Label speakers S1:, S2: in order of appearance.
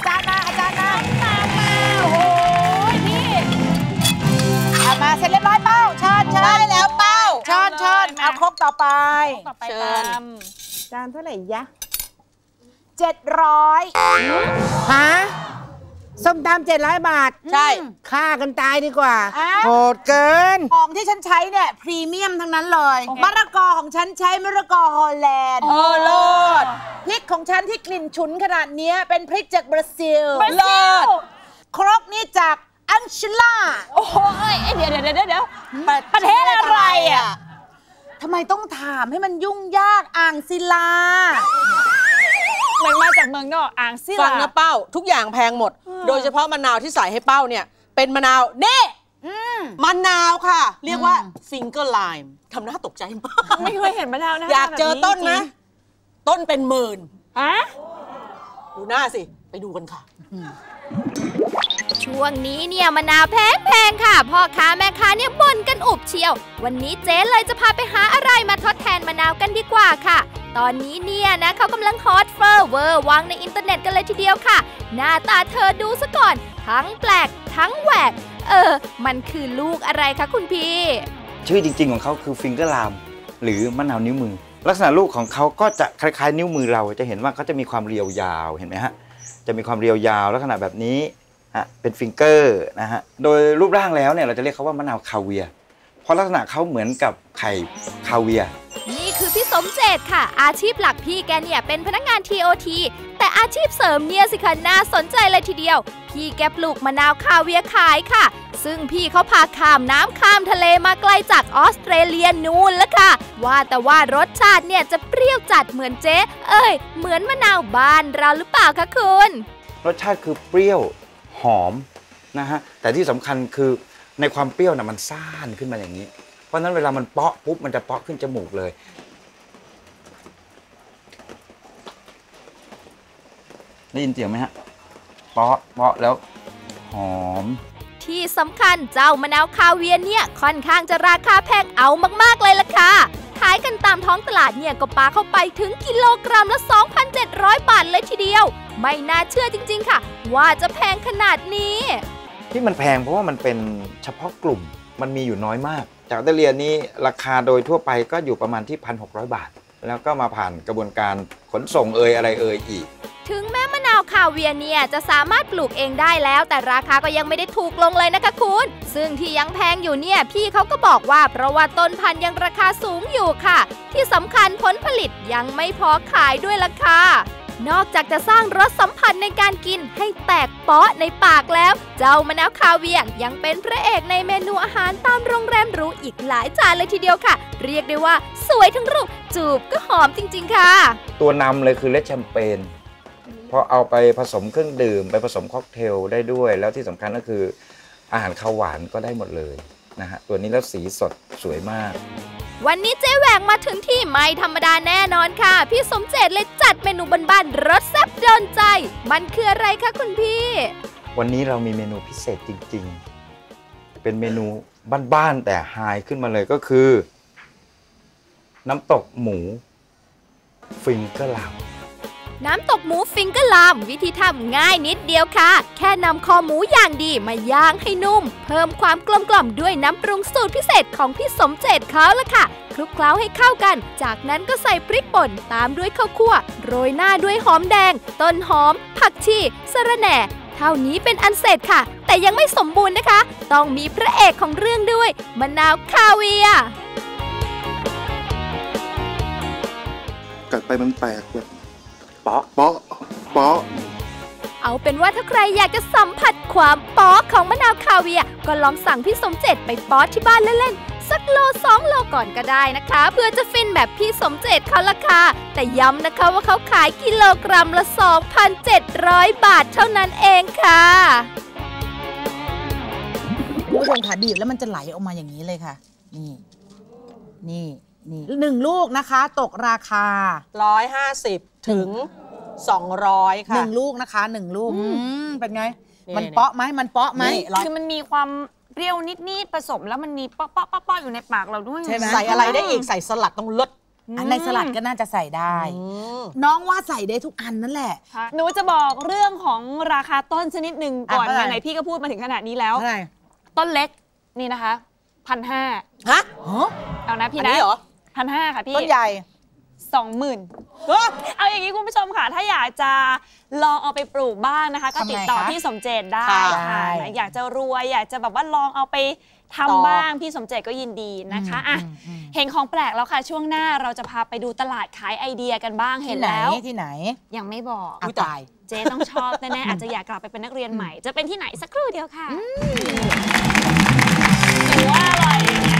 S1: จารย์มาอาจารย์มาตามมาโอ้โหพี่มาเสร็จเรียบร้อยเป้าเชิญได้แล้วเป้าเชิญเอาครกต่อไปเชิญจานเท่าไหร่ยะ700ฮะส้มตำ700 บาทใช่ฆ่ากันตายดีกว่าโหดเกินของที่ฉันใช้เนี่ยพรีเมียมทั้งนั้นเลยมะละกอของฉันใช้มะละกอฮอลแลนด์โลดพริกของฉันที่กลิ่นฉุนขนาดนี้เป็นพริกจากบราซิลโลดครกนี่จากอังชิล่าโอ้โหเดี๋ยวประเทศอะไรอ่ะทำไมต้องถามให้มันยุ่งยากอ่างศิลา
S2: มันมาจากเมืองนอกอ่างศิลา
S3: ฟังนะเป้าทุกอย่างแพงหมดโดยเฉพาะมะนาวที่ใส่ให้เป้าเนี่ยเป็นมะนาวนี่มะนาวค่ะเรียกว่าฟิงเกอร์ไลม์ทำหน้าตกใจมาก
S2: ไม่เคยเห็นมะนาวนะ
S3: อยากเจอต้นนะต้นเป็นหมื่นดูหน้าสิไปดูกันค่ะ
S4: ช่วงนี้เนี่ยมะนาวแพงค่ะพ่อค้าแม่ค้าเนี่ยบ่นกันอุบเชียววันนี้เจ๊เลยจะพาไปหาอะไรมาทดแทนมะนาวกันดีกว่าค่ะตอนนี้เนี่ยนะเขากำลังฮอตเวอร์วังในอินเทอร์เน็ตกันเลยทีเดียวค่ะหน้าตาเธอดูซะก่อนทั้งแปลกทั้งแหวกมันคือลูกอะไรคะคุณพี่
S5: ชื่อจริงๆของเขาคือฟิงเกอร์ไลม์หรือมะนาวนิ้วมือลักษณะลูกของเขาก็จะคล้ายๆนิ้วมือเราจะเห็นว่าเขาจะมีความเรียวยาวเห็นไหมฮะจะมีความเรียวยาวลักษณะแบบนี้เป็นฟิงเกอร์นะฮะโดยรูปร่างแล้วเนี่ยเราจะเรียกเขาว่ามะนาวคาเวียร์เพราะลักษณะเขาเหมือนกับไข่คาเวียร์
S4: นี่คือพี่สมเจตค่ะอาชีพหลักพี่แกเนี่ยเป็นพนักงาน TOT แต่อาชีพเสริมเนี่ยสิคะน่าสนใจเลยทีเดียวพี่แกปลูกมะนาวคาเวียร์ขายค่ะซึ่งพี่เขาพาข้ามน้ำข้ามทะเลมาไกลจากออสเตรเลียนู่นแล้วค่ะว่าแต่ว่ารสชาติเนี่ยจะเปรี้ยวจัดเหมือนเจ๊เหมือนมะนาวบ้านเราหรือเปล่าคะคุณ
S5: รสชาติคือเปรี้ยวหอมนะฮะแต่ที่สำคัญคือในความเปรี้ยวน่ะมันซ่านขึ้นมาอย่างนี้เพราะฉะนั้นเวลามันเปาะปุ๊บมันจะเปาะขึ้นจมูกเลยได้ยินเสียงไหมฮะเปาะแล้วหอม
S4: ที่สำคัญเจ้ามะนาวคาเวียร์เนี่ยค่อนข้างจะราคาแพงเอามากๆเลยล่ะค่ะขายกันตามท้องตลาดเนี่ยก็ปาเข้าไปถึงกิโลกรัมละ 2,700 บาทเลยทีเดียวไม่น่าเชื่อจริงๆค่ะว่าจะแพงขนาดนี้
S5: ที่มันแพงเพราะว่ามันเป็นเฉพาะกลุ่มมันมีอยู่น้อยมากจากออสเตรเลียนี้ราคาโดยทั่วไปก็อยู่ประมาณที่ 1,600 บาทแล้วก็มาผ่านกระบวนการขนส่งอะไรอีก
S4: ถึงแม้มะนาวคาเวียร์เนี่ยจะสามารถปลูกเองได้แล้วแต่ราคาก็ยังไม่ได้ถูกลงเลยนะคะคุณซึ่งที่ยังแพงอยู่เนี่ยพี่เขาก็บอกว่าเพราะว่าต้นพันธุ์ยังราคาสูงอยู่ค่ะที่สำคัญผลผลิตยังไม่พอขายด้วยล่ะค่ะนอกจากจะสร้างรสสัมผัสในการกินให้แตกเปาะในปากแล้วเจ้ามะนาวคาเวียร์ยังเป็นพระเอกในเมนูอาหารตามโรงแรมหรูอีกหลายจานเลยทีเดียวค่ะเรียกได้ว่าสวยทั้งรูปจูบก็หอมจริงๆค่ะ
S5: ตัวนำเลยคือเลดแชมเปญเพราะเอาไปผสมเครื่องดื่มไปผสมค็อกเทลได้ด้วยแล้วที่สำคัญก็คืออาหารข้าวหวานก็ได้หมดเลยนะฮะตัวนี้แล้วสีสดสวยมาก
S4: วันนี้เจ๊แหวงมาถึงที่ไม่ธรรมดาแน่นอนค่ะพี่สมเจตเลยจัดเมนูบ้านๆรสแซ่บโดนใจมันคืออะไรคะคุณพี่
S5: วันนี้เรามีเมนูพิเศษจริงๆเป็นเมนูบ้านๆแต่ไฮขึ้นมาเลยก็คือน้ำตกหมูฟิงเกอร์ไลม์
S4: น้ำตกหมูฟิงเกอร์ไลม์วิธีทำง่ายนิดเดียวค่ะแค่นำคอหมูอย่างดีมาย่างให้นุ่มเพิ่มความกลมกล่อมด้วยน้ำปรุงสูตรพิเศษของพี่สมเจตเขาละค่ะคลุกเคล้าให้เข้ากันจากนั้นก็ใส่พริกป่นตามด้วยข้าวคั่วโรยหน้าด้วยหอมแดงต้นหอมผักชีสะระแหน่เท่านี้เป็นอันเสร็จค่ะแต่ยังไม่สมบูรณ์นะคะต้องมีพระเอกของเรื่องด้วยมะนาวคาเวียร์
S6: กัดไปมันแตกแบบ
S5: เปาะ
S4: เอาเป็นว่าถ้าใครอยากจะสัมผัสความป๊อกของมะนาวคาเวียร์ก็ลองสั่งพี่สมเจตไปป๊อกที่บ้านเล่นๆสักโล2 โลก่อนก็ได้นะคะเพื่อจะฟินแบบพี่สมเจตเขาละค่ะแต่ย้ำนะคะว่าเขาขายกิโลกรัมละ 2,700 บาทเท่านั้นเองค่ะ
S1: คุณผู้ชมค่ะบีบแล้วมันจะไหลออกมาอย่างนี้เลยค่ะนี่1 ลูกนะคะตกราคา
S3: 150ถึง200ค่ะ
S1: 1 ลูกนะคะ1 ลูกเป็นไงมันเปาะไหม
S2: คือมันมีความเปรี้ยวนิดๆผสมแล้วมันมีเปาะอยู่ในปากเราด้วย
S3: ใช่ไหมใส่อะไรได้อีกใส่สลัดต้องลด
S1: อันในสลัดก็น่าจะใส่ได้ น้องว่าใส่ได้ทุกอันนั่นแหละ
S2: หนูจะบอกเรื่องของราคาต้นชนิดหนึ่งก่อน
S1: อะไร
S2: ไหนๆพี่ก็พูดมาถึงขนาดนี้แล้ว
S1: อะไร
S2: ต้นเล็กนี่นะคะ1,500
S3: ฮะ
S2: เอานะพี่
S3: อัน
S2: นะ
S3: นี้เหรอ
S2: 1,500ค่ะพี่
S1: ต้นใหญ่
S2: 20,000เอาอย่างนี้คุณผู้ชมค่ะถ้าอยากจะลองเอาไปปลูกบ้างนะคะ ก็ติดต่อพี่สมเจตได้
S3: ค่ะ
S2: ค่ะอยากจะรวยอยากจะแบบว่าลองเอาไปทำบ้างพี่สมเจตก็ยินดีนะคะอ่ะเห็นของแปลกแล้วค่ะช่วงหน้าเราจะพาไปดูตลาดขายไอเดียกันบ้างเห็นแล้ว
S1: ที่ไหน
S2: ยังไม่บอก
S1: ตาย
S2: เจ๊ต้องชอบแน่ๆอาจจะอยากกลับไปเป็นนักเรียนใหม่จะเป็นที่ไหนสักครู่เดียวค่ะหนูว่าอร่อย